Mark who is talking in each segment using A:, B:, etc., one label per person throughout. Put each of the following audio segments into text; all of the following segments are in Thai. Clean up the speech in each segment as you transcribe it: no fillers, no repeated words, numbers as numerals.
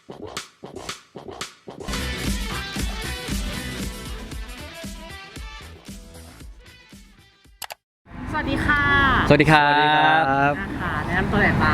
A: สวัสดีค่ะ
B: สวัสดีครับ
A: นะคะแนะนำตัวหน่อยป่า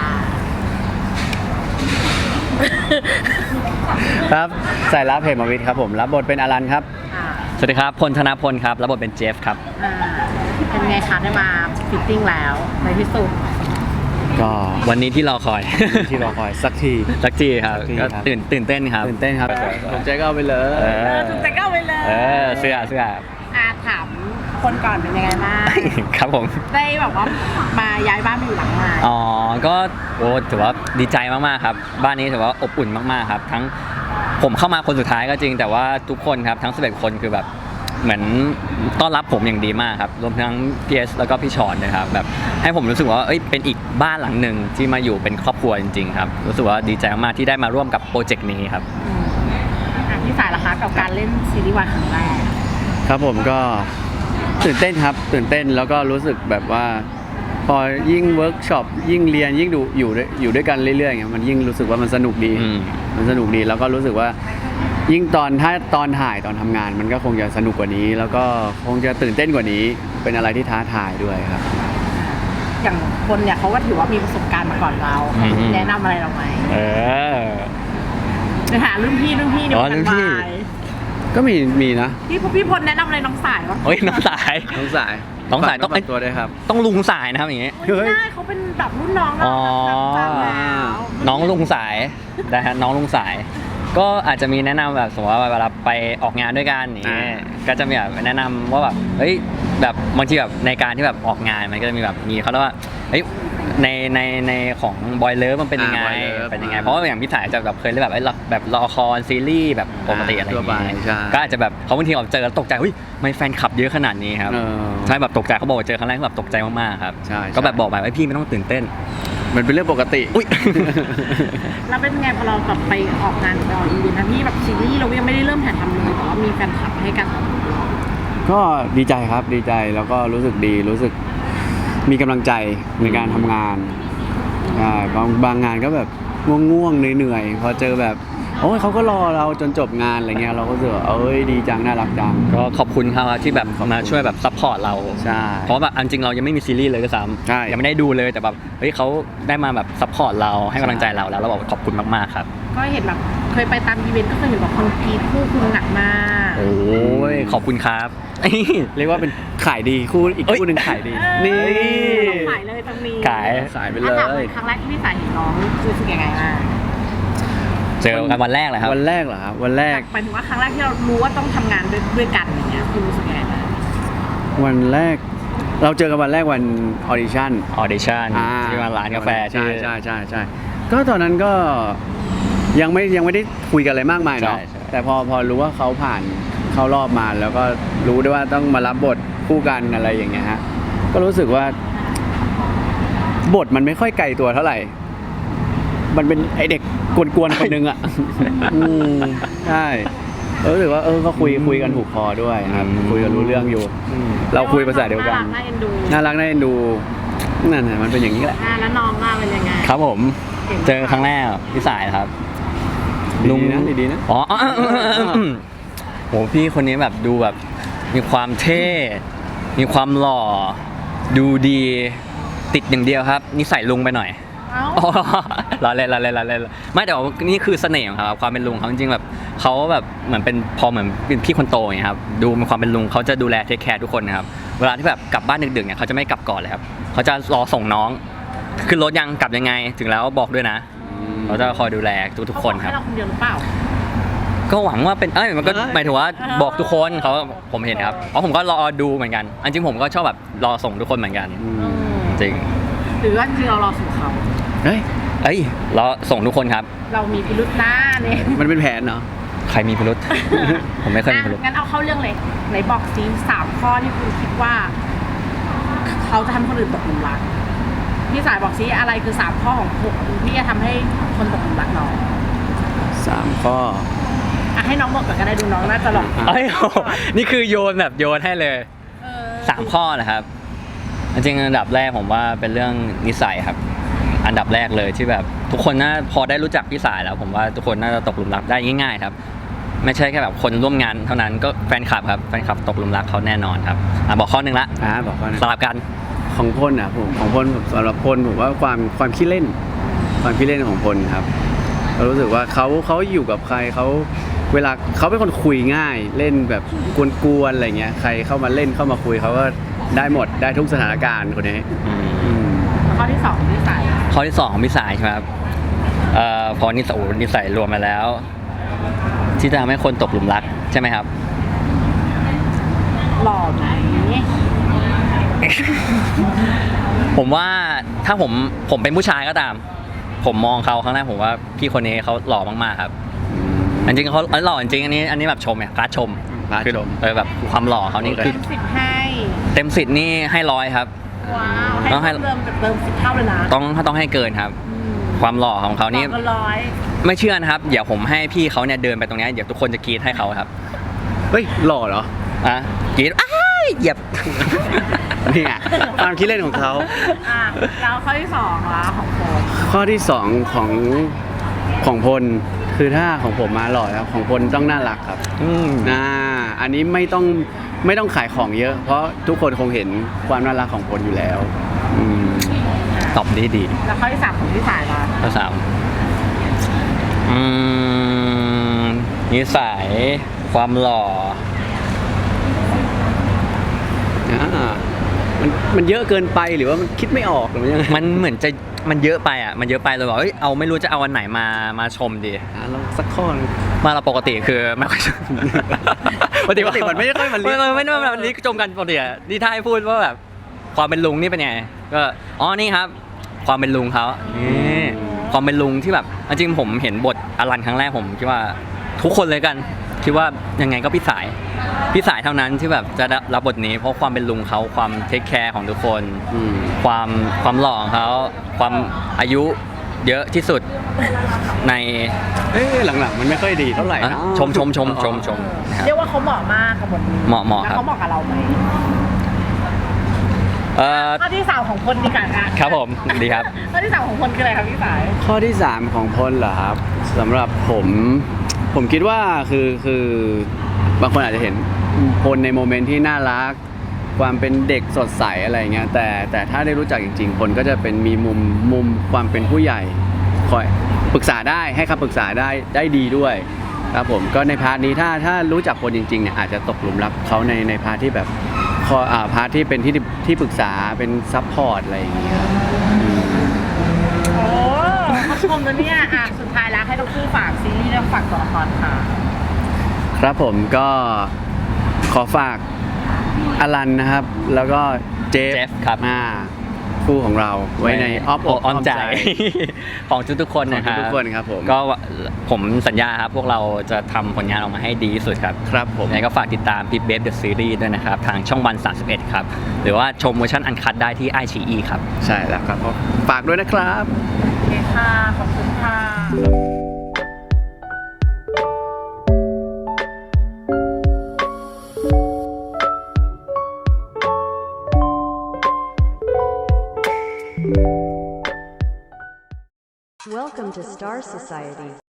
C: ครับสายลับเหมวิทย์ครับผมรับบทเป็นอลันครับ
B: สวัสดีครับพลธนพลครับรับบทเป็นเจฟครับ
A: เป็นไงคะได้มาฟิตติ้งแล้วในที่สุด
C: ก็
B: วันนี้ที่รอคอย
C: ที่รอคอยสักที
B: สักทีครับ
C: สักที
B: ก็
C: ครับ
B: ตื่นเต้นครับ
C: ตื่นเต้นครับผมใจก็เอาไปเลย
A: ถูกใจก็เอาไปเลย
B: เสื้อ
A: ถามคนก่อนเป็นยังไงบ้าง
B: ครับผม
A: ได้แบบว่ามาย้ายบ้านมาอยู่หลังใหม่
B: อ๋อก็ถือว่าดีใจมากๆครับบ้านนี้ถือว่าอบอุ่นมากๆครับทั้งผมเข้ามาคนสุดท้ายก็จริงแต่ว่าทุกคนครับทั้ง11คนคือแบบเหมือนต้อนรับผมอย่างดีมากครับรวมทั้งพีเอสแล้วก็พี่ชอนนะครับแบบให้ผมรู้สึกว่าเป็นอีกบ้านหลังหนึ่งที่มาอยู่เป็นครอบครัวจริงๆครับรู้สึกว่าดีใจมากๆที่ได้มาร่วมกับโปรเจกต์นี้ครับ
A: พี่สายล่ะคะกับการเล่นซีรีส์วายครั้งแรก
C: ครับผมก็ตื่นเต้นครับตื่นเต้นแล้วก็รู้สึกแบบว่าพอยิ่งเวิร์กช็อปยิ่งเรียนยิ่งดูอยู่ด้วยกันเรื่อยๆอย่างเงี้ยมันยิ่งรู้สึกว่ามันสนุกดี มันสนุกดีแล้วก็รู้สึกว่ายิ่งถ้าตอนถ่ายตอนทำงานมันก็คงจะสนุกกว่านี้ แล้วก็คงจะตื่นเต้นกว่านี้เป็นอะไรที่ท้าทายด้วยครับ
A: อย่างคนเนี่ยเขาก็ถือว่ามีประสบการณ์มาก่อนเรา
B: อืม
A: แนะนำอะไรเราไหม
B: เออ
A: ไปหารุ่นพี่ในวง
B: อ๋อ
A: การ
B: รุ่นพี่
A: วาย
C: ก็มีนะ
A: พี่พลแนะนำอะไรน้องสายวะ
B: น้องสาย
C: น้องสาย
B: น้องสายต้อง
C: ฝกตัวด้วยครับ
B: ต้องลุงสายนะครับอย่างงี้
A: ไม่ได้เขาเป็นแบบรุ่นน้องเรา
B: อ๋อ
A: แบบแล้ว
B: น้องลุงสายนะฮะน้องลุงสาย ก็อาจจะมีแนะนำแบบสมมติว่าเวลาไปออกงานด้วยกันอย่างเงี้ยก็จะมีแบบแนะนำว่าแบบเฮ้ยแบบบางทีแบบในการที่แบบออกงานมันก็จะมีแบบมีเขาเรียกว่าเฮ้ยในของบอยเลิฟมันเป็นยังไง
C: Boy Love
B: เป็นยังไงเพราะว่าอย่างพี่สายจะแบบเคยเล่นแบบละครซีรีส์แบบปกติอะไรอย่าง
C: ทั่วไป
B: เงี้ย
C: ใช่
B: ก็อาจจะแบบเขาบางทีเราเจอแล้วตกใจเฮ้ยทำไมแฟนคลับเยอะขนาดนี้ครับ
C: เออ
B: ใช่แบบตกใจเขาบอกว่าเจอครั้งแรกแบบตกใจมากๆครับ
C: ใช่
B: ก็แบบบอกไปว่าพี่ไม่ต้องตื่นเต้น
C: มันเป็นเรื่องปกติ
B: อุ๊ย
A: แล้วเป็นไงพอเราแบบไปออกงานหรือไปออกอีเวนต์นะพี่แบบซีรีส์เรายังไม่ได้เริ่มถ่ายทำเลยแต่ว่ามีแฟนคลับให้การตอบรับเรา
C: ก็ดีใจครับดีใจแล้วก็รู้สึกดีรู้สึกมีกำลังใจในการทำงานใช่บางงานก็แบบง่วงๆเหนื่อยๆพอเจอแบบโอ้ยเขาก็รอเราจนจบงานอะไรเงี้ยเราก็รู้สึกว่าดีจังน่ารักจัง
B: ก็ขอบคุณครับที่แบบมาช่วยแบบซัพพอร์ตเรา
C: ใช่
B: เพราะแบบอันจริงเรายังไม่มีซีรีส์เลยด้วยซ้
C: ใช่
B: ำยังไม่ได้ดูเลยแต่แบบเฮ้ยเขาได้มาแบบซัพพอร์ตเราให้กำลังใจเราแล้วเราบอกขอบคุณมากๆครับ
A: ก็เห็นแบบเคยไปตามอีเวนต์ก็เคยเห็นแบบคนกรีดคู่คุณหนักมาก
B: โอ้ยขอบคุณครับ
C: เรียกว่าเป็นขายดีคู่อีกคู่หนึ่งขายดี นี่
A: ขายเลยตรงนี้
B: ขาย
C: สายไปเล
A: ถาม
C: ย
A: ครั้งแรกที่พี่สายเห็นน้องรู้สึกยังไงบ้าง
B: เจอกันวันแรกเลยครับ
C: วันแรกเหรอครับวันแรก
A: หมายถึงว่าครั้งแรกที่เรารู้ว่าต้องทำงานด้วยกันอย่างเงี้ยคุณรู้สึกยังไงบ้าง
C: วันแรก เราเจอกันวันแรกวันออดิชั่น
B: ออเดชั่นที่มาร้านกาแฟที่
C: ใช่ก็ตอนนั้นก็ยังไม่ได้คุยกันอะไรมากมายเนาะ
B: ใช่
C: แต่พอรู้ว่าเขาผ่านเข้ารอบมาแล้วก็รู้ด้วยว่าต้องมารับบทคู่กันอะไรอย่างเงี้ยฮะก็รู้สึกว่า บทมันไม่ค่อยไกลตัวเท่าไหร่ มันเป็นไอเด็กกวนๆคนนึงอ่ะ ใช่รู้สึกว่าก็คุยกันถูกคอด้วยครับคุยกันรู้เรื่องอยู่ เราคุยภาษาเดียวกัน
A: น่าเอ็นดู
C: น่ารักน่าเอ็นดูนั่นแหละมันเป็นอย่างนี้แหละ
A: แล้วน้องว่าเป็นยังไง
B: ครับผมเจอครั้งแรกพี่สายครับ
C: ดีนะ
B: อ๋อโหพี่คนนี้แบบดูแบบมีความเท่ มีความหล่อ ดูดี ติดอย่างเดียวครับนิสัยลุงไปหน่อย
A: เอ้า
B: อ๋อเราเล่นไม่แต่ว่านี่คือเสน่ห์ของเขาครับความเป็นลุงเขาจริงๆแบบเขาแบบเหมือนเป็นพอเหมือนเป็นพี่คนโตอย่างเงี้ยครับดูมีความเป็นลุงเขาจะดูแลเทคแคร์ทุกคนนะครับเวลาที่แบบกลับบ้านดึกๆเนี่ยเขาจะไม่กลับก่อนเลยครับเขาจะรอส่งน้องขึ้นรถยังกลับยังไงถึงแล้วบอกด้วยนะเขาจะคอยดูแลทุกๆคนครับ
A: เขาอกให้เราคนเดียวหรือเปล่า
B: ก็หวังว่าเป็นมันก็หมายถึงว่าบอกทุกคนเขาผมเห็นครับเพราะผมก็รอดูเหมือนกันอันจริงผมก็ชอบแบบรอส่งทุกคนเหมือนกันจริง
A: หรือว่าจริงเรารอสู่เขา
C: เฮ้ย
B: เอ้ยรอส่งทุกคนครับ
A: เรามีพิรุษหน้าเนี่ย
C: มันเป็นแผนเนาะ
B: ใครมีพิรุธ ผมไม่เคยมีพิรุธ
A: งั้นเอาเข้าเรื่องเลยไหนบอกซิ3 ข้อที่คุณคิดว่า เขาจะทำคนอื่นตกหลุมรักพี่สายบอกซิอะไรคือ3 ข้อของคุณที่จะทำให้คนตกหลุมรักน้อง
C: 3 ข้อ
A: ให้น้องบอกก่อนก็ได้ดูน้องน่าจะหลอก
B: เอ้ยโอ้โหนี่คือโยนแบบโยนให้เลย3 ข้อนะครับจริงๆอันดับแรกผมว่าเป็นเรื่องนิสัยครับอันดับแรกเลยที่แบบทุกคนน่าพอได้รู้จักพี่สายแล้ว ผมว่าทุกคนน่าจะตกหลุมรักได้ง่ายๆครับไม่ใช่แค่แบบคนร่วมงานเท่านั้นก็แฟนคลับครับแฟนคลับตกหลุมรักเขาแน่นอนครับบอกข้อหนึ่งละ
C: บอกเขานะ
B: สลับกัน
C: ของพลอ่ะผมของพลสำหรับพลผมว่าความขี้เล่นของพลครับเรารู้สึกว่าเขาอยู่กับใครเขาเวลาเขาเป็นคนคุยง่ายเล่นแบบกวนๆอะไรเงี้ยใครเข้ามาเล่นเข้ามาคุยเขาก็ได้หมดได้ทุกสถานการณ์คนนี้อืม
A: ข้อที่สองพี่สาย
B: ข้อที่ 2ของพี่สายใช่ไหมครับพอนิสัยรวมมาแล้ว ที่จะทำให้คนตกหลุมรักใช่ไหมครับ
A: หล่อไหม
B: ผมว่าถ้าผมเป็นผู้ชายก็ตาม ผมมองเขาครั้งแรกผมว่าพี่คนนี้เขาหล่อมากๆครับจริงๆเขาหล่อจริงๆอันนี้แบบชมเนี่ยการชม
C: การชม
B: คือแบบความหล่อเขานี่คือ
A: 10ให้
B: เต็ม10นี่ให้100ครับ
A: ว้าว
B: ต้องให้
A: ให้เติม10 เท่าเลยนะ
B: ต้องให้เกินครับ ความหล่อของเขานี่
A: ก็ร้อย
B: ไม่เชื่อนะครับเดี๋ยวผมให้พี่เขาเนี่ยเดินไปตรงนี้เดี๋ยวทุกคนจะกรี๊ดให้เขาครับ
C: เฮ้ยหล่อเหรอ
B: กรี๊ดอ้ายเหยียบ
C: นี่ไงความคิดเล่นของเขา
A: แล้วข้อที่สองละของโฟม
C: ข้อที่2ของพลคือถ้าของผมมาหล่อแล้วของพลต้องน่ารักครับอันนี้ไม่ต้องขายของเยอะ เพราะทุกคนคงเห็นความน่ารักของพลอยู่แล้ว
B: ตอบดี
A: แล้วข้อที่สามของพี่สายละ
B: ข้อ3นิสัยความหล่อ
C: มันเยอะเกินไปหรือว่ามันคิดไม่ออกหรือยังไง
B: มันเหมือนจะมันเยอะไปอ่ะมันเยอะไปเลยบอกเอาไม่รู้จะเอาวันไหนมาชมดี
C: เราสักข้อนึง
B: มาเราปกติคือไม่ค่อย
C: ปกติมันไม่ได้ค่อยมัน
B: ไม่ได้แบบนี้ชมกันปกติอ่ะนี่ถ้าให้พูดว่าแบบความเป็นลุงนี่เป็นไงก็นี่ครับ ความเป็นลุงเขานี่ความเป็นลุงที่แบบจริงผมเห็นบทอลันครั้งแรกผมคิดว่าทุกคนเลยกันคิดว่ายังไงก็พี่สายเท่านั้นที่แบบจะรับบทนี้เพราะความเป็นลุงเขาความเทคแคร์ของทุกคนความหล่อของเขาความอายุเยอะที่สุดใน
C: หลังๆมันไม่ค่อยดีเท่าไหร่นะ
B: ชม
A: เรียกว่าเขาเหมาะมากกับบทนี้
B: เหมาะ
A: แล้ว
B: ครับ
A: เขาเหมาะกับเราไหมข้อที่สามของพลดีกันนะครับ
B: ผมดีครับ
A: ข้อที่สามของพลคืออะไรครับพี่สาย
C: ข้อที่3ของพลเหรอครับสำหรับผมคิดว่าคือบางคนอาจจะเห็นพลในโมเมนต์ที่น่ารักความเป็นเด็กสดใสอะไรเงี้ยแต่ถ้าได้รู้จักจริงๆพลก็จะเป็นมีมุมความเป็นผู้ใหญ่คอยปรึกษาได้ให้คำปรึกษาได้ดีด้วยครับผมก็ในพาร์ทนี้ถ้ารู้จักพลจริงๆเนี่ยอาจจะตกหลุมรักเขาในพาร์ทที่แบบพาร์ทที่เป็นที่ปรึกษาเป็นซัพพอร์ตอะไรอย่างเงี้ย
A: โอ้เขาชมแล้วเนี่ยสุดท้ายแล้วให้ทั้งคู่ฝากซีรีส์และฝากตัวละครค่ะ
C: ครับผมก็ขอฝากอลันนะครับแล้วก็เจฟ
B: ครับ
C: คู่ของเราไว้ในอ้อมอกอ้อมใจ
B: ของทุกๆคนนะครับ
C: ทุกคนครับผม
B: ก็ผมสัญญาครับพวกเราจะทำผลงานออกมาให้ดีที่สุดครับ
C: ครับผม
B: ยังไงก็ฝากติดตาม Pip Babe The Series ด้วยนะครับทางช่องวัน31ครับหรือว่าชมเวอร์ชันอันคัตได้ที่ iQIYI ครับ
C: ใช่แล้วครับฝากด้วยนะครับ
A: โอเคค่ะขอบคุณค่ะ
D: Welcome to Star Society.